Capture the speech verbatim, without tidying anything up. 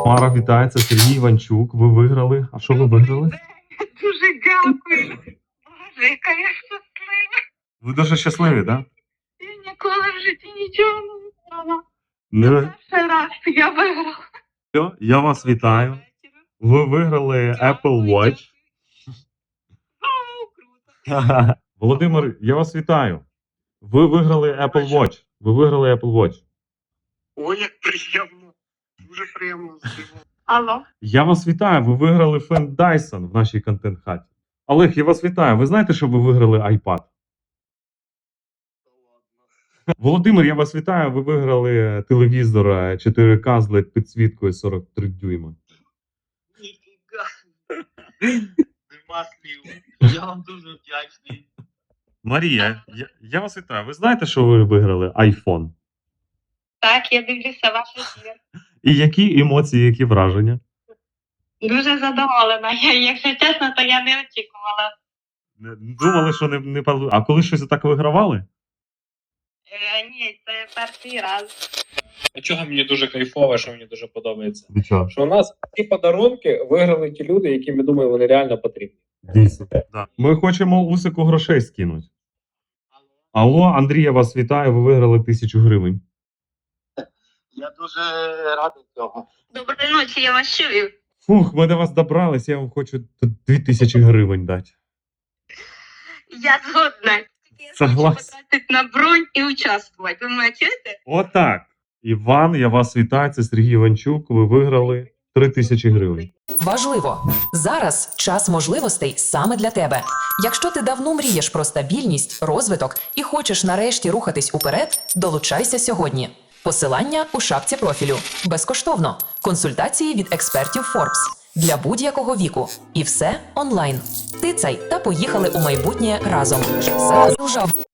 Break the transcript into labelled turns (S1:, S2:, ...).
S1: Пара вітається, Сергій Іванчук. Ви виграли. А що ви виграли?
S2: Дуже дякую. Боже, яка я щаслива.
S1: Ви дуже щасливі, так? Да?
S2: Я ніколи в житті нічого не виграла.
S1: Не...
S2: Перший раз я виграла.
S1: Все, я вас вітаю. Ви виграли Apple Watch.
S2: О, круто.
S1: Володимир, я вас вітаю. Ви виграли Apple Watch. Ви виграли Apple Watch.
S3: Ой, як приємно. Дуже приємно.
S2: Алло.
S1: Я вас вітаю. Ви виграли фен Dyson в нашій контент-хаті. Олег, я вас вітаю. Ви знаєте, що ви виграли iPad? Володимир, я вас вітаю. Ви виграли телевізор чотири ка з лед підсвіткою сорок три дюйма.
S3: Ніфіга. Нема слів. Я вам дуже вдячний.
S1: Марія, я, я вас вітаю. Ви знаєте, що ви виграли iPhone?
S2: Так, я дивлюся ваш ефір.
S1: І які емоції, які враження?
S2: Дуже задоволена. Я, якщо чесно, то я не очікувала.
S1: Не- Думали, що не, не пал- А коли щось так вигравали?
S2: Е, ні, це перший раз.
S4: А чого мені дуже кайфово, що мені дуже подобається?
S1: Від чого?
S4: Що у нас ці подарунки виграли ті люди, які, ми думаємо, вони реально потрібні.
S1: Дійсно. Да. Ми хочемо Усику грошей скинути. Алло, Андрій, я вас вітаю. Ви виграли тисячу гривень.
S3: Я дуже радий цього.
S2: Доброї ночі, я вас чую.
S1: Фух, ми до вас добрались, я вам хочу тут дві тисячі гривень дати.
S2: Я згодна. Я
S1: Согласен.
S2: хочу потратити на бронь і участвувати. Ви мене чуєте?
S1: Отак. Іван, я вас вітаю. Це Сергій Іванчук. Ви виграли три тисячі гривень.
S5: Важливо! Зараз час можливостей саме для тебе. Якщо ти давно мрієш про стабільність, розвиток і хочеш нарешті рухатись уперед, долучайся сьогодні. Посилання у шапці профілю. Безкоштовно. Консультації від експертів Forbes. Для будь-якого віку. І все онлайн. Тицяй та поїхали у майбутнє разом. Зараз